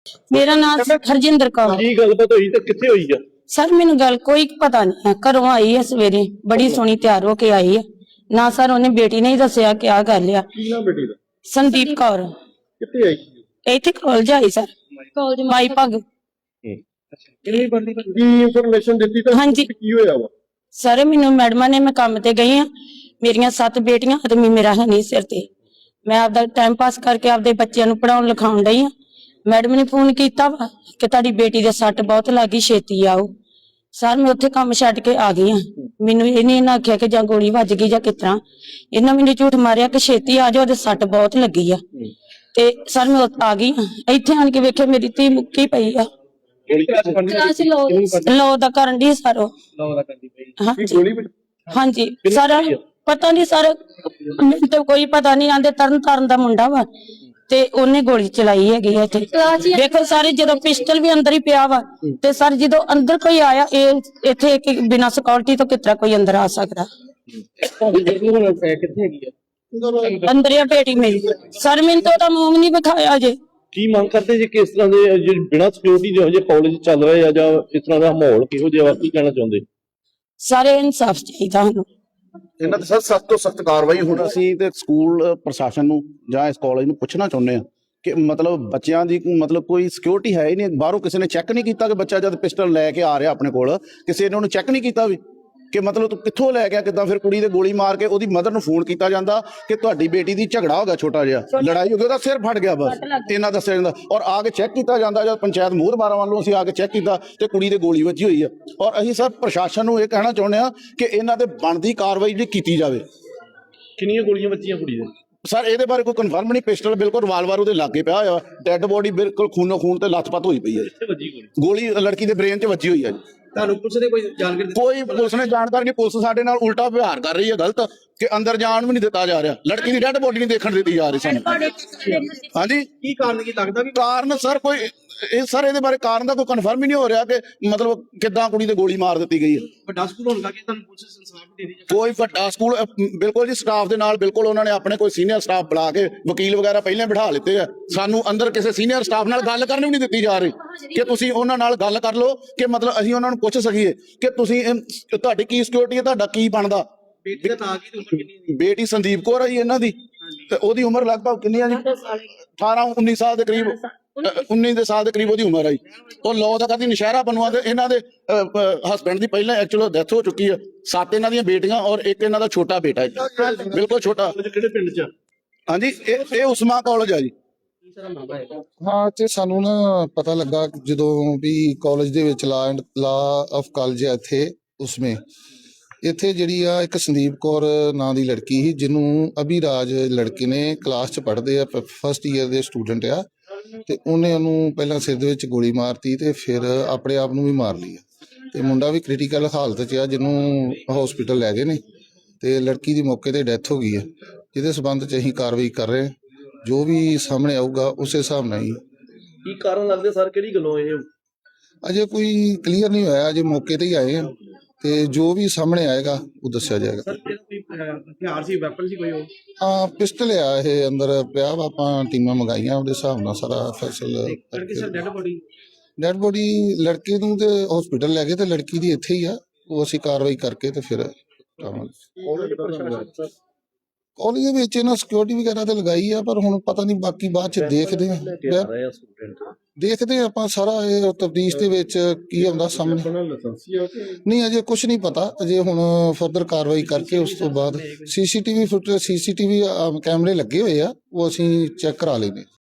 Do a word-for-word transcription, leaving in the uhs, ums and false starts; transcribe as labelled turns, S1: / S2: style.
S1: मेरा नाम हरजिंदर कौर।
S2: की गलबात हुई तो कित्थे हुई है?
S1: सर मैनू गल कोई पता नहीं है। घरों आई है सवेरे, बड़ी सोहनी तैयार होके आई है ना। सर उन्हें बेटी ने ही दसिया क्या कर लिया।
S2: की नाम बेटी दा?
S1: संदीप कौर।
S2: कित्थे आई?
S1: इत्थे कॉलेज आई सर, कॉलेज माई भग।
S2: की इंफॉर्मेशन दित्ती तो
S1: हाँ जी।
S2: की होया वा?
S1: सर मैनू मैडमा ने, मैं काम ते गई हाँ, मेरिया सत्त बेटियां आदमी मेरा है नहीं सिर ते। मैं आपदा टाइम पास करके आपदे बच्चों नूं पढ़ाउण लिखाउण डई हाँ। मैडम ने फोन किया वा कि तुहाडी बेटी दे सट बहुत लगी, छेती आओ। सर मैं उत्थे काम छड्ड के आ गई हाँ। मैनू इन्हें इन्हां आख्या कि जां गोली वज गई जां किस तरह, इन्हां मैनू झूठ मारिया कि छेती आ जाओ, ओहदे सट बहुत लगी आ। ते सर मैं आ गई हाँ। इत्थे आण के वेख्या मेरी धी मुक्की पई आ। लो दा करन डी सर ओ। हाँ जी, हाँ जी सर पता नहीं सर, मैनूं तो कोई पता नहीं। आंदे तरन ताਰਨ दा मुंडा वा ते ओने गोली चलाई हैगी है। देखो सारे जदों पिस्टल भी अंदर ही पिया वा ते सर जदों अंदर कोई आया, इत्थे बिना सिक्योरिटी तो कितना कोई अंदर आ सकदा? अंदर या बेटी मेरी सर, मैनूं तो ओहदा मूंह नहीं विखाया जे।
S2: की मांग करते जी किस तरह दे जे बिना सिक्योरिटी जो जे कॉलेज चल रहे या जां इस तरह दा माहौल किहो जिहा की कहना चाहुंदे?
S1: सारे इंसाफ चाहिदा हानूं।
S3: ਇਹਨਾਂ ਤੇ ਸਰ ਸਖਤ ਤੋਂ ਸਖਤ ਕਾਰਵਾਈ ਹੁਣ ਅਸੀਂ ਤੇ ਸਕੂਲ ਪ੍ਰਸ਼ਾਸਨ ਨੂੰ ਜਾਂ ਇਸ ਕਾਲਜ ਨੂੰ ਪੁੱਛਣਾ ਚਾਹੁੰਦੇ ਆ ਕਿ ਮਤਲਬ ਬੱਚਿਆਂ ਦੀ ਮਤਲਬ ਕੋਈ ਸਿਕਿਉਰਿਟੀ ਹੈ ਹੀ ਨਹੀਂ। ਬਾਹਰੋਂ ਕਿਸੇ ਨੇ ਚੈੱਕ ਨਹੀਂ ਕੀਤਾ ਕਿ ਬੱਚਾ ਜਦ ਪਿਸਟਲ ਲੈ ਕੇ ਆ ਰਿਹਾ ਆਪਣੇ ਕੋਲ, ਕਿਸੇ ਨੇ ਉਹਨੂੰ ਚੈੱਕ ਨਹੀਂ ਕੀਤਾ ਵੀ ਕਿ ਮਤਲਬ ਤੂੰ ਕਿੱਥੋਂ ਲੈ ਗਿਆ, ਕਿੱਦਾਂ? ਫਿਰ ਕੁੜੀ ਦੇ ਗੋਲੀ ਮਾਰ ਕੇ ਉਹਦੀ ਮਦਰ ਨੂੰ ਫੋਨ ਕੀਤਾ ਜਾਂਦਾ ਕਿ ਤੁਹਾਡੀ ਬੇਟੀ ਦੀ ਝਗੜਾ ਹੋ ਗਿਆ, ਛੋਟਾ ਜਿਹਾ ਲੜਾਈ ਹੋ ਗਈ, ਉਹਦਾ ਸਿਰ ਫਟ ਗਿਆ, ਬਸ ਇਹਨਾਂ ਦੱਸਿਆ ਜਾਂਦਾ। ਔਰ ਆ ਕੇ ਚੈੱਕ ਕੀਤਾ ਜਾਂਦਾ, ਜਦ ਪੰਚਾਇਤ ਮੋਹਰਬਾਰਾਂ ਵੱਲੋਂ ਅਸੀਂ ਆ ਕੇ ਚੈੱਕ ਕੀਤਾ ਤੇ ਕੁੜੀ ਦੇ ਗੋਲੀ ਵੱਜੀ ਹੋਈ ਆ। ਔਰ ਅਸੀਂ ਸਰ ਪ੍ਰਸ਼ਾਸਨ ਨੂੰ ਇਹ ਕਹਿਣਾ ਚਾਹੁੰਦੇ ਆ ਕਿ ਇਹਨਾਂ ਤੇ ਬਣਦੀ ਕਾਰਵਾਈ ਜਿਹੜੀ ਕੀਤੀ ਜਾਵੇ।
S2: ਕਿੰਨੀਆਂ ਗੋਲੀਆਂ ਵੱਜੀਆਂ ਕੁੜੀ ਦੇ?
S3: ਸਰ ਇਹਦੇ ਬਾਰੇ ਕੋਈ ਕਨਫਰਮ ਨਹੀਂ। ਪਿਸਟਲ ਬਿਲਕੁਲ ਰਿਵਾਲਵਰ ਉਹਦੇ ਲਾਗੇ ਪਿਆ ਹੋਇਆ, ਡੈੱਡ ਬੋਡੀ ਬਿਲਕੁਲ ਖੂਨੋ ਖੂਨ ਤੇ ਲੱਥਪੱਥ ਹੋਈ ਪਈ ਹੈ। ਗੋਲੀ ਲੜਕੀ ਦੇ ਬ੍ਰੇਨ 'ਚ ਵੱਜੀ ਹੋਈ ਹੈ ਜੀ।
S4: ਤੁਹਾਨੂੰ ਪੁਲਿਸ ਨੇ ਕੋਈ ਜਾਣਕਾਰੀ? ਕੋਈ
S3: ਪੁਲਿਸ ਨੇ ਜਾਣਕਾਰੀ ਨਹੀਂ। ਪੁਲਿਸ ਸਾਡੇ ਨਾਲ ਉਲਟਾ ਵਿਵਹਾਰ ਕਰ ਰਹੀ ਹੈ, ਗਲਤ, ਕਿ ਅੰਦਰ ਜਾਣ ਵੀ ਨਹੀਂ ਦਿੱਤਾ ਜਾ ਰਿਹਾ। ਲੜਕੀ ਦੀ ਡੈੱਡ ਬੋਡੀ ਨਹੀਂ ਦੇਖਣ ਦਿੱਤੀ ਜਾ ਰਹੀ ਸਾਨੂੰ। ਹਾਂਜੀ,
S4: ਕੀ ਕਾਰਨ ਕੀ ਲੱਗਦਾ ਵੀ?
S3: ਕਾਰਨ ਸਰ ਕੋਈ ਇਹ ਸਰ ਇਹਦੇ ਬਾਰੇ ਕਾਰਨ ਦਾ ਕੋਈ ਕਨਫਰਮ ਹੀ ਨਹੀਂ ਹੋ ਰਿਹਾ ਕਿ ਮਤਲਬ ਕਿੱਦਾਂ ਕੁੜੀ ਤੇ ਗੋਲੀ ਮਾਰ ਦਿੱਤੀ ਗਈ ਹੈ।
S4: ਵੱਡਾ ਸਕੂਲ ਹੋਣ ਕਰਕੇ ਤੁਹਾਨੂੰ ਪੁਲਿਸ ਇਨਸਾਫ ਦੇ ਰਹੀ ਹੈ?
S3: ਕੋਈ ਵੱਡਾ ਸਕੂਲ ਬਿਲਕੁਲ ਜੀ, ਸਟਾਫ ਦੇ ਨਾਲ ਬਿਲਕੁਲ ਉਹਨਾਂ ਨੇ ਆਪਣੇ ਕੋਈ ਸੀਨੀਅਰ ਸਟਾਫ ਬੁਲਾ ਕੇ ਵਕੀਲ ਵਗੈਰਾ ਪਹਿਲਾਂ ਬਿਠਾ ਲਿੱਤੇ ਆ। ਸਾਨੂੰ ਅੰਦਰ ਕਿਸੇ ਸੀਨੀਅਰ ਸਟਾਫ ਨਾਲ ਗੱਲ ਕਰਨ ਵੀ ਨਹੀਂ ਦਿੱਤੀ ਜਾ ਰਹੀ ਕਿ ਤੁਸੀਂ ਉਹਨਾਂ ਨਾਲ ਗੱਲ ਕਰ ਲਓ ਕਿ ਮਤਲਬ ਅਸੀਂ ਉਹਨਾਂ ਨੂੰ ਪੁੱਛ ਸਕੀਏ ਕਿ ਤੁਸੀਂ ਤੁਹਾਡੀ ਕੀ ਸਿਕਿਉਰਿਟੀ ਹੈ, ਤੁਹਾਡਾ ਕੀ ਬਣਦਾ।
S4: ਬੇਟੀ ਦਾ ਨਾਂ ਕੀ, ਉਮਰ ਕਿੰਨੀ?
S3: ਬੇਟੀ ਸੰਦੀਪ ਕੌਰ ਹੈ ਜੀ ਇਹਨਾਂ ਦੀ, ਤੇ ਉਹਦੀ ਉਮਰ ਲਗਭਗ ਕਿੰਨੀ ਆ ਜੀ? ਅਠਾਰਾਂ ਉੱਨੀ ਸਾਲ ਦੇ ਕਰੀਬ, ਉੱਨੀ ਦੇ ਸਾਲ ਦੇ ਕਰੀਬ ਉਹਦੀ ਉਮਰ ਆਈ। ਉਹ ਲੋ ਦਾ ਕਰਦੀ ਨਸ਼ਹਿਰਾ ਬਨਵਾ ਦੇ। ਇਹਨਾਂ ਦੇ ਹਸਬੈਂਡ ਦੀ ਪਹਿਲਾਂ ਐਕਚੁਅਲ ਡੈਥ ਹੋ ਚੁੱਕੀ ਹੈ। ਸੱਤ ਇਹਨਾਂ ਦੀਆਂ ਬੇਟੀਆਂ ਔਰ ਇੱਕ ਇਹਨਾਂ ਦਾ ਛੋਟਾ ਬੇਟਾ ਹੈ, ਬਿਲਕੁਲ ਛੋਟਾ।
S2: ਕਿਹੜੇ ਪਿੰਡ 'ਚ?
S3: ਹਾਂਜੀ, ਇਹ ਇਹ ਉਸਮਾ ਕਾਲਜ ਆ ਜੀ।
S5: ਹਾਂ, ਤੇ ਸਾਨੂੰ ਨਾ ਪਤਾ ਲੱਗਾ ਜਦੋਂ ਵੀ ਕਾਲਜ ਦੇ ਵਿੱਚ law and law of college ਹੈ ਇੱਥੇ, ਉਸਮੇ ਇੱਥੇ ਜਿਹੜੀ ਆ ਇੱਕ ਸੰਦੀਪ ਕੌਰ ਨਾਂ ਦੀ ਲੜਕੀ ਸੀ, ਜਿਹਨੂੰ ਅਭਿਰਾਜ ਲੜਕੇ ਨੇ ਕਲਾਸ 'ਚ ਪੜ੍ਹਦੇ ਆ, ਫਸਟ ਈਅਰ ਦੇ ਸਟੂਡੈਂਟ ਆ, ਤੇ ਉਹਨੇ ਉਹਨੂੰ ਪਹਿਲਾਂ ਸਿਰ ਦੇ ਵਿੱਚ ਗੋਲੀ ਮਾਰਤੀ ਤੇ ਫਿਰ ਆਪਣੇ ਆਪ ਨੂੰ ਵੀ ਮਾਰ ਲਈ ਤੇ ਮੁੰਡਾ ਵੀ ਕ੍ਰਿਟੀਕਲ ਹਾਲਤ 'ਚ ਆ, ਜਿਹਨੂੰ ਹਸਪੀਟਲ ਲੈ ਗਏ ਨੇ ਤੇ ਲੜਕੀ ਦੀ ਮੌਕੇ ਤੇ ਡੈਥ ਹੋ ਗਈ ਹੈ। ਜਿਹਦੇ ਸਬੰਧ 'ਚ ਅਸੀਂ ਕਾਰਵਾਈ ਕਰ ਰਹੇ, ਜੋ ਵੀ ਸਾਹਮਣੇ ਆਊਗਾ ਉਸੇ ਹਿਸਾਬ ਨਾਲ ਹੀ।
S2: ਕੀ ਕਾਰਨ ਲੱਗਦੇ ਸਰ, ਕਿਹੜੀ ਗੱਲੋਂ ਇਹ?
S5: ਅਜੇ ਕੋਈ ਕਲੀਅਰ ਨਹੀਂ ਹੋਇਆ, ਅਜੇ ਮੌਕੇ ਤੇ ਹੀ ਆਏ ਆ ਤੇ ਜੋ ਵੀ ਸਾਹਮਣੇ ਆਏਗਾ ਉਹ ਦੱਸਿਆ ਜਾਏਗਾ।
S4: ਸਰ ਕੋਈ ਹਥਿਆਰ ਸੀ, ਵੈਪਨ ਸੀ ਕੋਈ? ਉਹ
S5: ਹਾਂ, ਪਿਸਟਲ ਆ ਇਹ ਅੰਦਰ ਪਿਆ ਵਾ। ਆਪਾਂ ਟੀਮਾਂ ਮੰਗਾਈਆਂ, ਉਹਦੇ ਹਿਸਾਬ ਨਾਲ ਸਾਰਾ ਫੈਸਲਾ।
S4: ਲੜਕੀ sir dead body?
S5: Dead body ਲੜਕੇ ਨੂੰ ਤੇ ਹਸਪੀਟਲ ਲੈ ਗਏ ਤੇ ਲੜਕੀ ਦੀ ਇੱਥੇ ਹੀ ਆ। ਉਹ ਅਸੀਂ ਕਾਰਵਾਈ ਕਰਕੇ ਤੇ ਫਿਰ ਕਾਲਜ ਦੇ ਵਿੱਚ ਇਹਨਾਂ ਸਿਕਿਉਰਿਟੀ ਵਗੈਰਾ ਤੇ ਲਗਾਈ ਆ, ਪਰ ਹੁਣ ਪਤਾ ਨਹੀਂ ਬਾਕੀ ਬਾਅਦ ਚ ਦੇਖਦੇ ਆ ਦੇਖਦੇ ਆ ਆਪਾਂ ਸਾਰਾ ਇਹ ਤਫਤੀਸ਼ ਦੇ ਵਿੱਚ ਕੀ ਆਉਂਦਾ ਸਾਹਮਣੇ। ਨਹੀਂ ਅਜੇ ਕੁਝ ਨਹੀਂ ਪਤਾ, ਅਜੇ ਹੁਣ ਫਰਦਰ ਕਾਰਵਾਈ ਕਰਕੇ ਉਸ ਤੋਂ ਬਾਅਦ ਸੀਸੀਟੀਵੀ ਫੁਟੇਜ ਸੀਸੀਟੀਵੀ ਕੈਮਰੇ ਲੱਗੇ ਹੋਏ ਆ, ਉਹ ਅਸੀਂ ਚੈੱਕ ਕਰਾ ਲੈਂਦੇ।